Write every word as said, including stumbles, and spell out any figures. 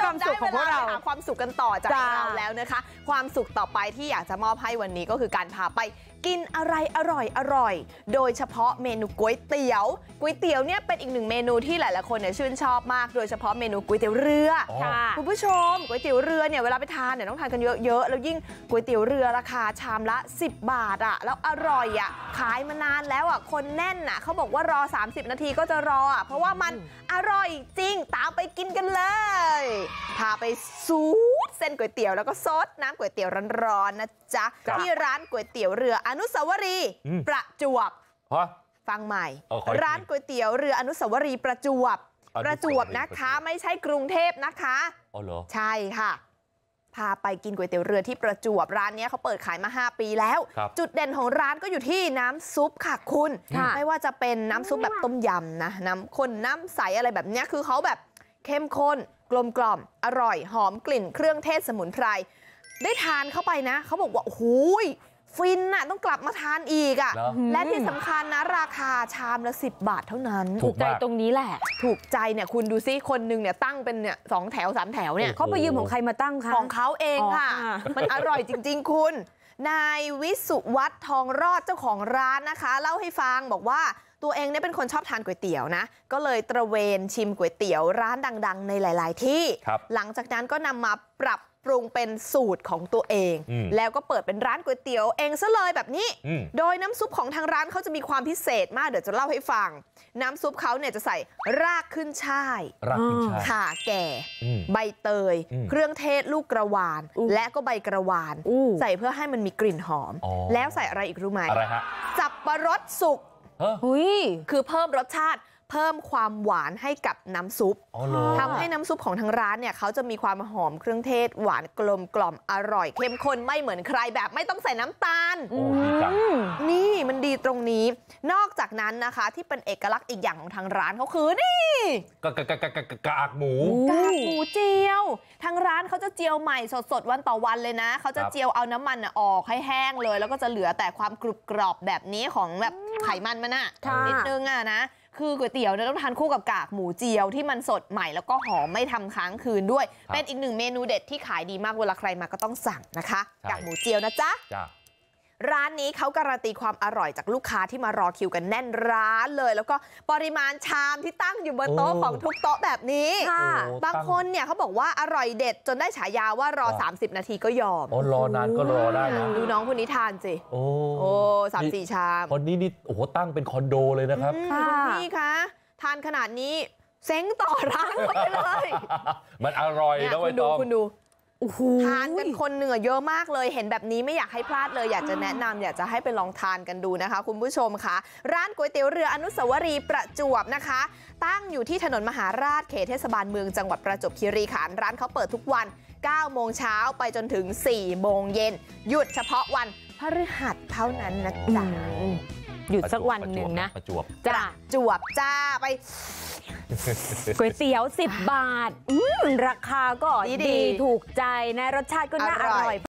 ความสุขของพวกเราหาความสุขกันต่อจากเราแล้วนะคะความสุขต่อไปที่อยากจะมอบให้วันนี้ก็คือการพาไปกินอะไรอร่อยอร่อยโดยเฉพาะเมนูก๋วยเตี๋ยวก๋วยเตี๋ยวเนี่ยเป็นอีกหนึ่งเมนูที่หลายๆคนเนี่ยชื่นชอบมากโดยเฉพาะเมนูก๋วยเตี๋ยวเรือคุณผู้ชมก๋วยเตี๋ยวเรือเนี่ยเวลาไปทานเนี่ยต้องทานกันเยอะๆแล้วยิ่งก๋วยเตี๋ยวเรือราคาชามละสิบบาทอ่ะแล้วอร่อยอ่ะขายมานานแล้วอ่ะคนแน่นอ่ะเขาบอกว่ารอสามสิบนาทีก็จะรออ่ะเพราะว่ามันอร่อยจริงตามไปกินกันเลยพาไปซูดเส้นก๋วยเตี๋ยวแล้วก็ซดน้ำก๋วยเตี๋ยวร้อนๆนะจ๊ะที่ร้านก๋วยเตี๋ยวเรืออนุสาวรีย์ประจวบฟังใหม่ร้านก๋วยเตี๋ยวเรืออนุสาวรีย์ประจวบประจวบนะคะไม่ใช่กรุงเทพนะคะอ๋อเหรอใช่ค่ะพาไปกินก๋วยเตี๋ยวเรือที่ประจวบร้านนี้เขาเปิดขายมาห้าปีแล้วจุดเด่นของร้านก็อยู่ที่น้ำซุปค่ะคุณไม่ว่าจะเป็นน้ำซุปแบบต้มยำนะน้ำข้นน้ำใสอะไรแบบนี้คือเขาแบบเข้มข้นกลมกล่อมอร่อยหอมกลิ่นเครื่องเทศสมุนไพรได้ทานเข้าไปนะเขาบอกว่าโอ้โหฟินน่ะต้องกลับมาทานอีกอ่ะและที่สำคัญนะราคาชามละสิบบาทเท่านั้นถูกใจตรงนี้แหละถูกใจเนี่ยคุณดูซิคนหนึ่งเนี่ยตั้งเป็นเนี่ยสองแถวสามแถวเนี่ยเขาไปยืมของใครมาตั้งคะของเขาเองค่ะมันอร่อยจริงๆคุณนายวิสุวัฒน์ทองรอดเจ้าของร้านนะคะเล่าให้ฟังบอกว่าตัวเองเนี่ยเป็นคนชอบทานก๋วยเตี๋ยวนะก็เลยตระเวนชิมก๋วยเตี๋ยวร้านดังๆในหลายๆที่หลังจากนั้นก็นำมาปรับปรุงเป็นสูตรของตัวเองแล้วก็เปิดเป็นร้านก๋วยเตี๋ยวเองซะเลยแบบนี้โดยน้ำซุปของทางร้านเขาจะมีความพิเศษมากเดี๋ยวจะเล่าให้ฟังน้ำซุปเขาเนี่ยจะใส่รากขึ้นช่ายรากขึ้นช่ายข่าแก่ใบเตยเครื่องเทศลูกกระวานและก็ใบกระวานใส่เพื่อให้มันมีกลิ่นหอมแล้วใส่อะไรอีกรู้ไหมอะไรฮะสับปะรดสุกคือเพิ่มรสชาติเพิ่มความหวานให้กับน้ำซุปทำให้น้ำซุปของทางร้านเนี่ยเขาจะมีความหอมเครื่องเทศหวานกลมกล่อมอร่อยเข้มข้นไม่เหมือนใครแบบไม่ต้องใส่น้ำตาลนี่มันดีตรงนี้นอกจากนั้นนะคะที่เป็นเอกลักษณ์อีกอย่างของทางร้านเขาคือนี่กากกากกากหมูกากหมูเจียวทางร้านเขาจะเจียวใหม่สดๆวันต่อวันเลยนะเขาจะเจียวเอาน้ำมันออกให้แห้งเลยแล้วก็จะเหลือแต่ความกรุบกรอบแบบนี้ของแบบไขมันมันอะนิดนึงอะนะคือก๋วยเตี๋ยวเนี่ยต้องทานคู่กับกากหมูเจียวที่มันสดใหม่แล้วก็หอมไม่ทำค้างคืนด้วยเป็นอีกหนึ่งเมนูเด็ดที่ขายดีมากเวลาใครมาก็ต้องสั่งนะคะกากหมูเจียวนะจ๊ะร้านนี้เขาการันตีความอร่อยจากลูกค้าที่มารอคิวกันแน่นร้านเลยแล้วก็ปริมาณชามที่ตั้งอยู่บนโต๊ะของทุกโต๊ะแบบนี้บางคนเนี่ยเขาบอกว่าอร่อยเด็ดจนได้ฉายาว่ารอสามสิบนาทีก็ยอมอ๋อรอนานก็รอได้นะดูน้องคนนี้ทานสิโอ้โอ้สามสี่ชามคนนี้นี่โอ้โหตั้งเป็นคอนโดเลยนะครับนี่ค่ะทานขนาดนี้เซ้งต่อร้านไปเลยมันอร่อยนะคุณดูคุณดูทานกันคนเหนือเยอะมากเลยเห็นแบบนี้ไม่อยากให้พลาดเลยอยากจะแนะนำอยากจะให้ไปลองทานกันดูนะคะคุณผู้ชมค่ะร้านก๋วยเตี๋ยวเรืออนุสาวรีย์ประจวบนะคะตั้งอยู่ที่ถนนมหาราชเขตเทศบาลเมืองจังหวัดประจวบคีรีขันธ์ร้านเขาเปิดทุกวันเก้าโมงเช้าไปจนถึงสี่โมงเย็นหยุดเฉพาะวันพฤหัสเท่านั้นนะจ๊ะหยุดสักวันหนึ่งนะประจวบจ้าจวบจ้าไปก๋วยเตี๋ยวสิบบาทราคาก็ดีถูกใจนะรสชาติก็น่าอร่อย